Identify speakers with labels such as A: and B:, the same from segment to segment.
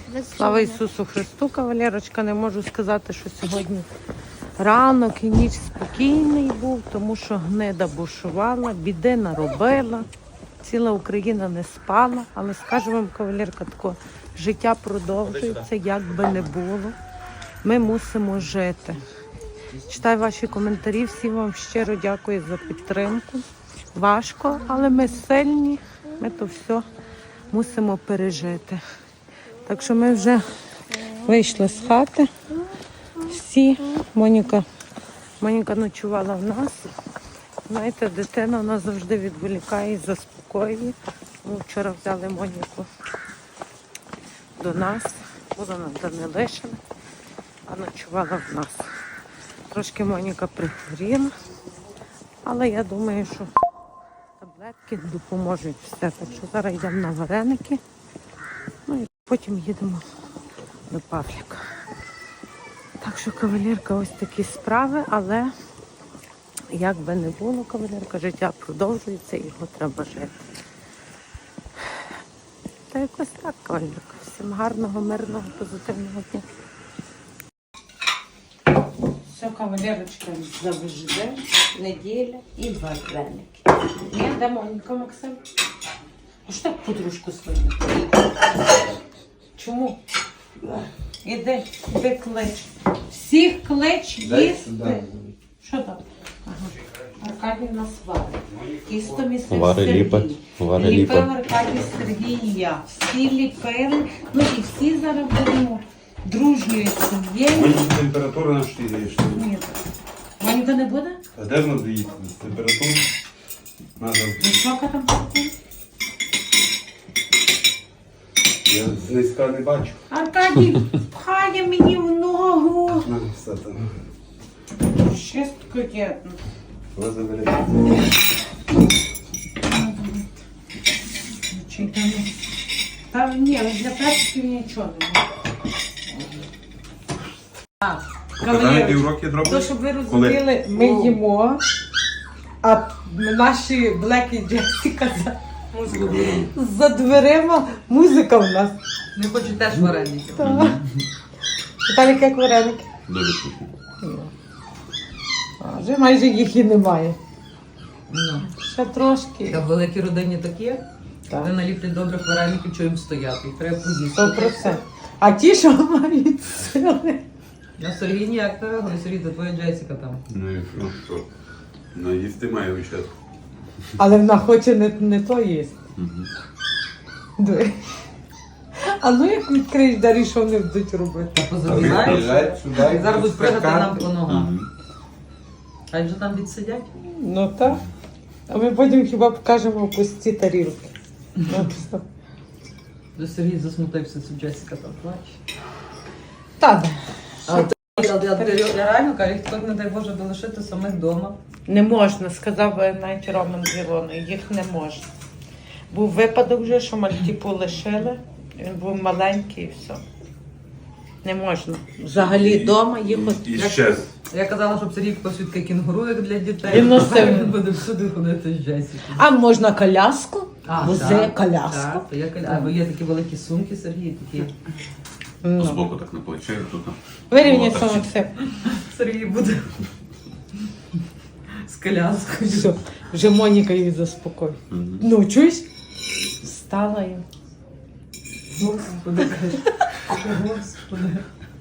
A: Слава Ісусу Христу, кавалерочка. Не можу сказати, що сьогодні ранок і ніч спокійний був, тому що гнида бушувала, біди наробила. Ціла Україна не спала, але скажу вам, кавалерка, тако, життя продовжується, як би не було. Ми мусимо жити. Читаю ваші коментарі, всім вам щиро дякую за підтримку. Важко, але ми сильні, ми то все мусимо пережити. Так що ми вже вийшли з хати. Всі, Моніка ночувала в нас. Знаєте, дитина вона завжди відволікає і заспокоює. Ми вчора взяли Моніку до нас, вона нам там не лишила, а ночувала в нас. Трошки Моніка прихворіла, але я думаю, що таблетки допоможуть все. Так що зараз йдемо на вареники, ну і потім їдемо до Павліка. Так що, кавалерка, ось такі справи, але як би не було, кавалерка, життя продовжується, його треба жити. Та якось так, кавалерка. Всім гарного, мирного, позитивного дня. Все, кавалерочка, завжди, неділя і вареники. Ні, де Моніка, Максим? А що так подружку свою? Чому? Іди клич. Всіх клич їсти. Що там? Ага. Аркадій нас варить. Тісто місив Сергій. Ліпив Аркадій Сергій і я. Всі ліпили. Ну і всі зараз будемо дружньою сім'єю.
B: Моніка температура на 4 є.
A: Ні. Моніка не буде?
B: А де ж надо їсти? Температура? Надо.
A: Висока температура?
B: Я знизька не бачу.
A: Аркадій пхає мені в ногу.
B: Надо все там.
A: Чистко дєдно.
B: Ви заберете.
A: Там ні, для перців нічого немає.
B: Показали півроки дробні?
A: То, щоб ви розуміли, ми їмо, а наші Блек і Джесіка за дверима музика в нас.
C: Не хочу теж вареники.
A: Віталік, як вареники?
B: Дуже вкусно.
A: Вже майже їх і немає.
C: Ну.
A: Ще трошки.
C: Та в великій родині такі,
A: Так.
C: вони наліплять добрих вареників, що їм стояти. Їх треба поїсти.
A: 100%. А ті, що мають сили.
C: На Сергій ніяк не вигони, Сергій, це твоя Джесіка там.
B: Ну і що? Ну їсти має вичат.
A: Але вона хоче не то їсти. Диви. А ну як відкриєш двері, що вони будуть робити?
C: Позабігаєш? Зараз будуть пригати нам по ногам. Хай вже там відсидять.
A: Ну так. А ми потім хіба покажемо пусті тарілки.
C: До Сергій засмутився, це Джесіка там плаче.
A: Так.
C: Я реально кажу, їх так, не дай Боже, долишити самих вдома.
A: Не можна, сказав навіть Роман з Ілоною, їх не можна. Був випадок вже, що Мальтіпу лишили, він був маленький і все. Не можна. Взагалі вдома їх
B: І щез.
C: Я казала, щоб Сергій купив свідки кінгуру, як для дітей.
A: Він носив.
C: Він буде всюди ходити з Джесікою.
A: А можна коляску? Вози
C: так,
A: коляску.
C: Так, то є або є такі великі сумки, Сергій, такі.
A: Ну.
B: Збоку так на плече, тут.
A: Вирівняйся, Максим.
C: Сергій буде з коляскою.
A: Все, вже Моніка її заспокоїть. Ну, чуєш? Встала я.
C: Господи, каже. Господи.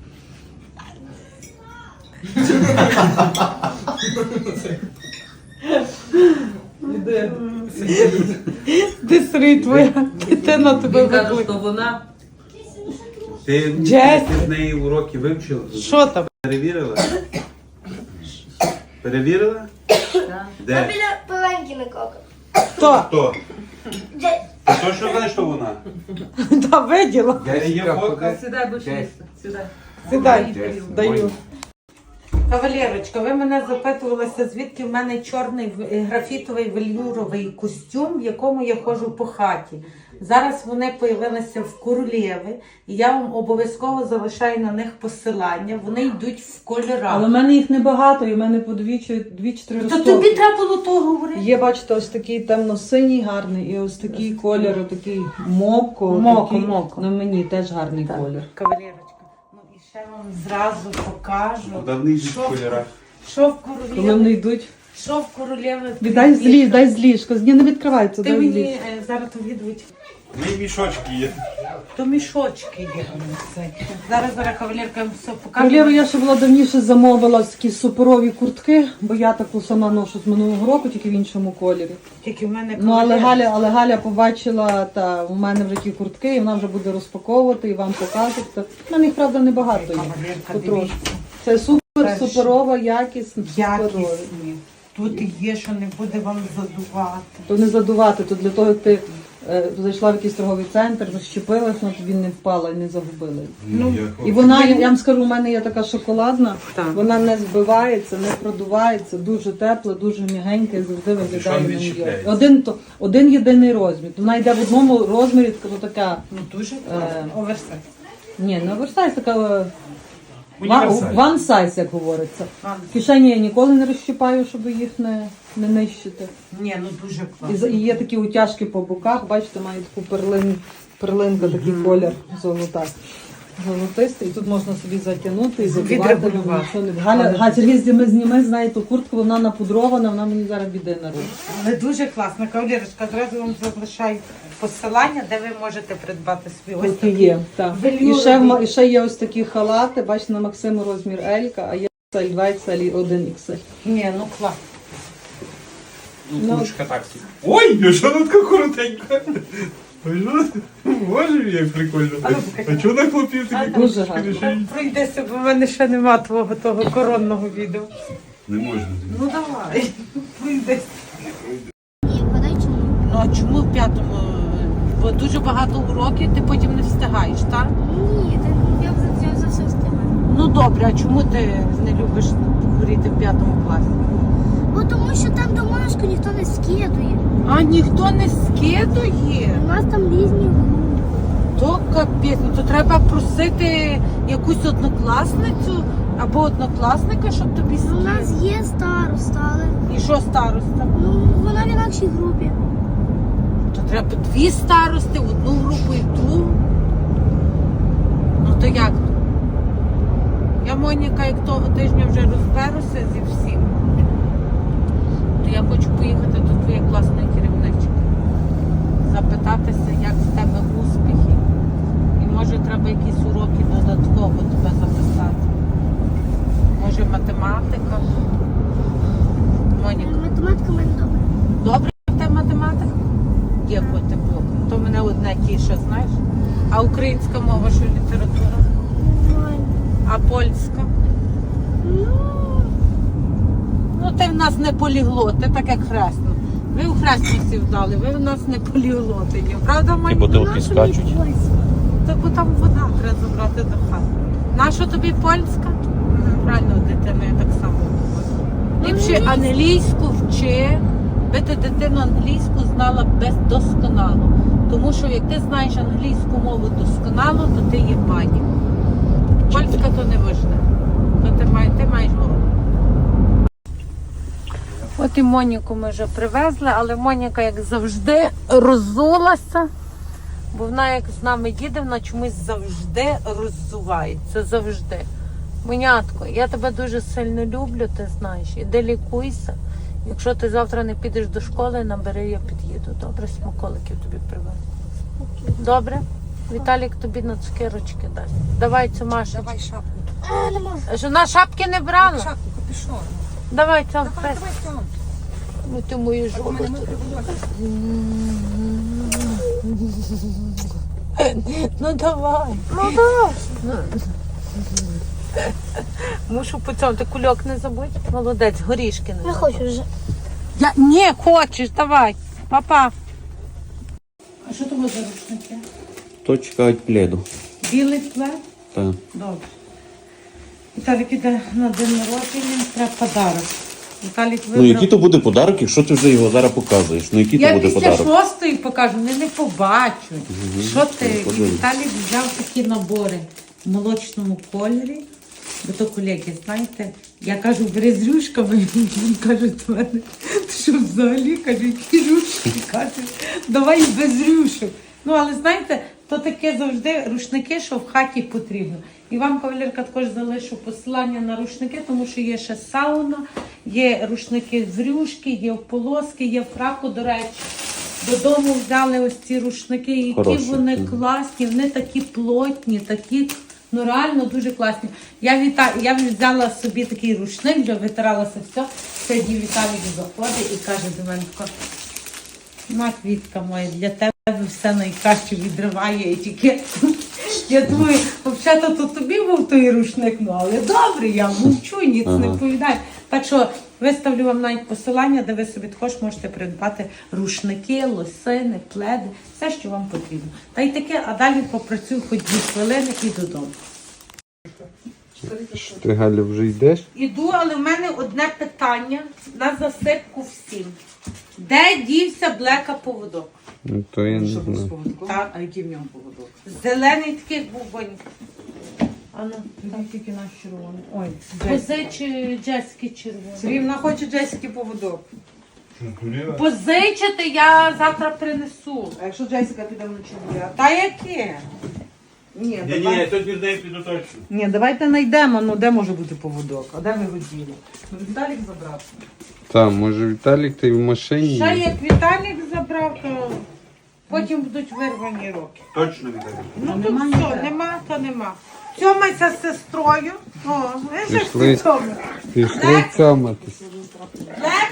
C: Іде.
A: Де Сергій, твоя дитина тебе
C: Він каже,
A: викликає.
C: що вона...
B: Ти
A: Джесі.
B: з неї уроки вивчила?
A: Що там?
B: Перевірила? Перевірила? Де?
D: Біля пеленькіна кока.
A: Хто?
B: Хто? Ти точно знаєш, що вона?
A: Та виділа.
B: Де є фотка?
C: Сідай, будеш їсти. Сідай.
A: Сідай,
C: Дай,
A: даю. Кавалерочка, ви мене запитувалися, звідки в мене чорний графітовий велюровий костюм, в якому я ходжу по хаті. Зараз вони появилися в Королєви, і я вам обов'язково залишаю на них посилання. Вони йдуть в кольорах.
D: Але в мене їх небагато, і в мене по 2-3
A: То
D: розтоки.
A: тобі треба було того говорити.
D: Є, бачите, ось такий темно-синій гарний, і ось такий колір, такий моко.
A: Моко.
D: На мені теж гарний колір.
A: Кавалерочка, ну і ще вам зразу покажу,
B: Давний йдуть в кольорах.
A: що в
D: Коли
A: Королєви.
D: вони йдуть,
A: Що в Королєви.
D: дай з ліжка. Ні, не відкривається,
A: Ти
D: дай з
A: мені
D: ліжка.
A: зараз то відповідь.
B: Мій мішочки є.
A: То мішочки є. Зараз кавалерка вам все покаже.
D: Королєву я ще була давніше замовила такі суперові куртки, бо я таку сама ношу з минулого року, тільки в іншому кольорі.
A: Тільки в мене
D: Ну, але Галя побачила, та у мене вже ті куртки, і вона вже буде розпаковувати і вам показувати. В мене їх, правда, небагато є.
A: Кавалерка,
D: Потрошки.
A: дивіться.
D: Це суперова, якісна, суперова.
A: Якісні. Тут є, що не буде вам задувати.
D: То не задувати, то для того, як ти зайшла в якийсь торговий центр, розщепилась, вона тобі не впала і не загубила.
A: Ну,
D: І вона, я вам скажу, у мене є така шоколадна,
A: Так.
D: вона не збивається, не продувається, дуже тепла, дуже м'ягенька і завжди виглядає
B: Що не
D: на ній.
B: відчіпляється?
D: Один єдиний розмір. Вона йде в одному розмірі, така,
A: Ну дуже класно. Оверсайз.
D: ні, не оверсайз, така
B: Універсальна.
D: one size, як говориться. В кишені я ніколи не розщипаю, щоб їх не нищити.
A: Ні, ну дуже класно.
D: І є такі утяжки по боках, бачите, має таку перлинка, такий колір золотистий. І тут можна собі затягнути і задувати.
A: Відрегулювати.
D: Галя, Сергій, зніми знає ту куртку, вона напудрована, вона мені зараз біди наробить.
A: Але дуже класно. Кавалерочка, одразу вам залишаю посилання, де ви можете придбати свій ось
D: Тут
A: такий.
D: є, так.
A: велюровий.
D: І ще є ось такі халати, бачите, на Максиму розмір L, а є XL, 2 XL і 1 XL.
A: Ні, ну класно.
B: Ну, курочка так собі. Ой, що тут така коротенька? Ой, що? Боже, як прикольно. А чого на хлопів такі
D: Дуже
B: курточки
D: гарно.
B: лишені?
A: Пройдеся, бо в мене ще нема твого того коронного відео.
B: Не можна.
A: Ну давай, пройдеся.
E: Ні, подай чому?
A: Ну а чому в п'ятому? Бо дуже багато уроків, ти потім не встигаєш, так?
E: Ні, я за все встигаю.
A: Ну добре, а чому ти не любиш говорити в п'ятому класі?
E: Бо тому що там домашку ніхто не скидує.
A: А ніхто не скидує?
E: У нас там різні групи.
A: То капець, ну то треба просити якусь однокласницю або однокласника, щоб тобі
E: У
A: скидали.
E: нас є староста, але
A: І що староста?
E: ну, вона в інакшій групі.
A: То треба дві старости, в одну групу і в другу. Ну то як? Я, Моніка, як того тижня вже розберуся зі всім, то я хочу поїхати до твоєї класної керівнички. Запитатися, як в тебе успіхи. І може треба якісь уроки додатково тебе записати. Може математика. Моніка.
E: Математика в мене добре.
A: Добре в тебе математика? Дякувати Богу. То мене одне тіше, знаєш. А українська мова, що література?
E: Нормально.
A: А польська? Ну ти в нас не поліглот, ти так як хресно. Ви у хресну всі вдали, ви в нас не поліглоти, ні, правда,
F: І
A: Маня?
F: бутилки скачуть.
A: Так бо там вода треба забрати до хати. Наша тобі польська? Правильно, дитина, я так само говорю. Ліпше англійську вчи, би ти дитину англійську знала досконало. Тому що як ти знаєш англійську мову досконало, то ти є пані. Польська то не важливо. То ти маєш мову. От і Моніку ми вже привезли, але Моніка, як завжди, роззулася. Бо вона, як з нами їде, вона чомусь завжди роззувається. Завжди. Монятко, я тебе дуже сильно люблю, ти знаєш. Іди лікуйся. Якщо ти завтра не підеш до школи, набери, я під'їду. Добре, смаколиків тобі привезу. Добре? Віталік тобі на цукерочки дасть. Давай цю Машу.
G: Давай шапку.
E: Не можу.
A: Що вона шапки не брала?
G: Шапку, капюшон.
A: Давай цю
G: Давай,
A: фест.
G: давай, Тьом.
A: Ну ти мою
G: У
A: жопу.
G: мене мокре волосся.
A: Ну давай. Мушу по цьому. Ти кульок не забудь. Молодець, горішки не
E: Не
A: забудь.
E: хочу вже.
A: Не хочеш, давай. Папа. А що тобі за рушники?
F: То чекають пледу.
A: Білий плед?
F: Так.
A: Добре. Віталік іде на день народження, треба подарок. Віталік
F: Ну,
A: вибрав.
F: який то буде подарок, якщо ти вже його зараз показуєш? Ну, який то
A: Я
F: буде
A: після
F: подарок?
A: 6-ї покажу, вони не побачать. Що ти? І
F: подивись.
A: Віталік взяв такі набори в молочному кольорі. Бо то колеги, знаєте, я кажу, бери з рюшками, він каже до мене, «Ти що взагалі, каже, які рюшки, каже, давай без рюшок. Ну, але знаєте, то таке завжди рушники, що в хаті потрібно. І вам, кавалерка, також залишу посилання на рушники, тому що є ще сауна, є рушники з рюшки, є в полоски, є в фраку, до речі. Додому взяли ось ці рушники, які
F: Хороші.
A: вони класні, вони такі плотні, такі, ну реально дуже класні. Я взяла собі такий рушник, вже витиралася все. Сьогодні Віталік заходить і каже до мене, на, квітка моя, для тебе все найкраще відриває етикетку. Я думаю, взагалі то тобі був той рушник, ну але добре, я мовчу, ніц не повідаю. Так що виставлю вам навіть посилання, де ви собі також можете придбати рушники, лосини, пледи, все, що вам потрібно. Та й таке, а далі попрацюю хоч 2 хвилини і додому.
B: Ти, Галя, вже йдеш?
A: Іду, але в мене одне питання на засипку всім. Де дівся Блека поводок?
B: Ну, то я не
D: Що був з
B: знаю.
D: поводком?
A: Так.
D: А який в ньому поводок?
A: Зелений таких був бонька. А ну,
D: Там тільки наш червоний. Ой,
A: позич Джесіки червоний.
D: Сергій, вона хоче Джесіки поводок.
A: Позичити я завтра принесу.
D: А якщо Джесіка піде вночі гуляти?
A: Та яке?
D: Ні,
B: Ні, тут від неї піду точно.
D: Ні, давайте знайдемо, ну де може бути поводок, а де ви його діли? Ну, Віталік забрав.
B: Так, може Віталік, ти в машині?
A: Ще як Віталік забрав, то потім будуть вирвані руки.
B: Точно Віталік.
A: Ну тут
D: нема
A: все,
D: ніде.
A: нема, то нема. Цьомайся з сестрою. О, ви ж
B: Пішли.
A: всі цьомаєте.
B: Пішли цьоматись.
A: Блек!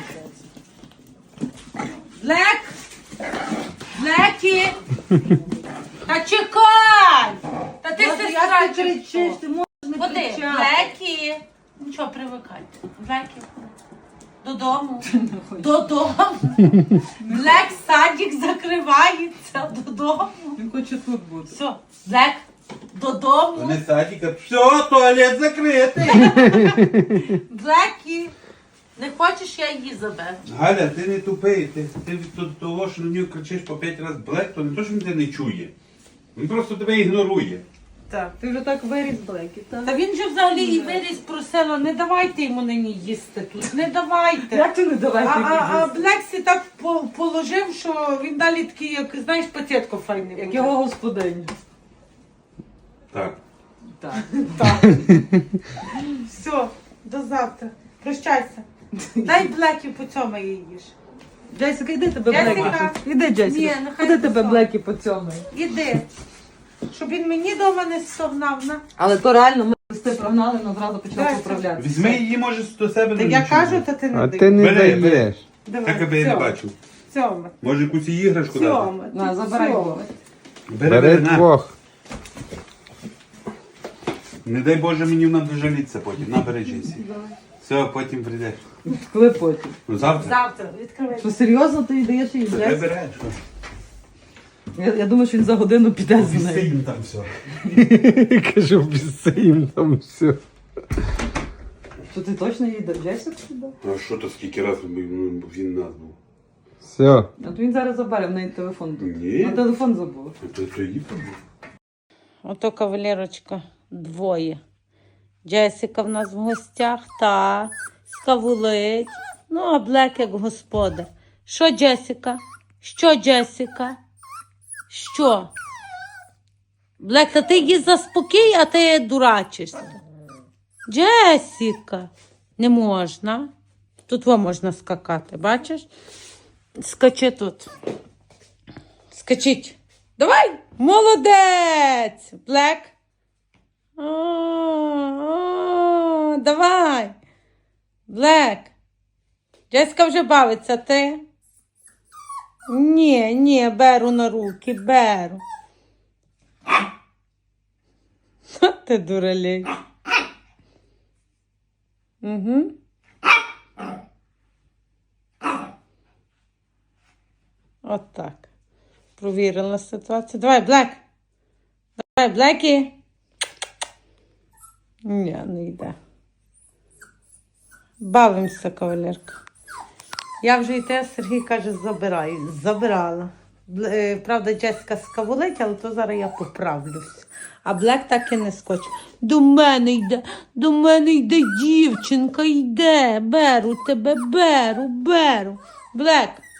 A: Блек! Блекі! Та чекай! Та ти сестра
D: ти кричиш, ти можеш не
A: Ходи,
D: кричати.
A: Блекі! Ну що, привикайте. Блекі. Додому. Додому. Блек, садик закривається. Додому.
D: Він хоче тут бути.
A: Все, Блек, додому.
B: садіка. Все, туалет закритий.
A: Блекі. Не хочеш, я її заберу.
G: Галя, ти не тупий, ти від того, що на нього кричиш по 5 разів Блек, то не то, що він тебе не чує. Він просто тебе ігнорує.
D: Так, ти вже так виріс Блекі, так?
A: Та він же взагалі і виріс просила, не давайте йому нині їсти тут, не давайте.
D: Як ти не давай
A: А Блексі так положив, що він далі такий, як, знаєш, пацієтко файний.
D: Як
A: буде.
D: його господиня.
G: Так.
D: Так.
A: Все, до завтра. Прощайся. Дай Блекі по цьому її їж.
D: Джесіка, іди тебе
A: Джесіка.
D: Блекі. Іди, Джесіка.
A: Ні, нехай
D: Куди тебе
A: посол.
D: Блекі по цьому?
A: Іди. Щоб він мені вдома не стогнав. На.
D: Але то реально, ми листи прогнали, вона одразу почала
A: Дай,
D: поправляти.
G: Візьми її, може, до себе.
A: Так
G: на
A: я
G: ніч.
A: кажу, то ти не
B: А
A: дай.
B: ти не
G: Бери, бери.
B: даєш.
A: Давай.
G: Так, аби я не
A: Цьому.
G: бачив.
A: Цьому.
G: Може, якусь іграшку дати?
A: Цьому.
D: На, забирай
A: Цьому.
D: його.
B: Бери
G: на.
B: двох.
G: Не дай Боже, мені вона жаліться потім. Набери Джесі. Все, потім прийдеш.
D: Коли потім?
G: Ну, завтра.
A: Завтра відкривай.
D: Що серйозно ти їй даєш їй
G: Хай
D: Джесі?
G: бере.
D: Я думаю, що він за годину піде з
G: Пісти
D: нею.
G: їм там все.
B: Кажу, піси їм там все.
D: Що ти точно їй дав Джесіку сюди?
G: А що то скільки разів він нас був?
B: Все.
D: От він зараз забере, в неї телефон тут.
G: Ні.
D: На телефон забув.
G: То їй був.
A: Ото кавалерочка, двоє. Джесіка в нас в гостях, та скавулить. Ну, а Блек як господар. Що, Джесіка? Що, Джесіка? Що? Блек, та ти її заспокій, а ти дурачишся. Джесіка. Не можна. Тут во можна скакати, бачиш? Скачи тут. Скачіть. Давай! Молодець! Блек. Давай. Блек. Джеська вже бавиться, ти? Ні, беру на руки, беру. Ти дуралей. Угу. От так. Провірила ситуацію. Давай, Блек. Давай, Блекі. Ні, не йде. Бавимося, кавалерка. Я вже і те, Сергій каже, забираю. Забирала. Правда, Джеська скавулить, але то зараз я поправлюсь. А Блек так і не скоче. До мене йде дівчинка, йде. Беру тебе, беру. Блек,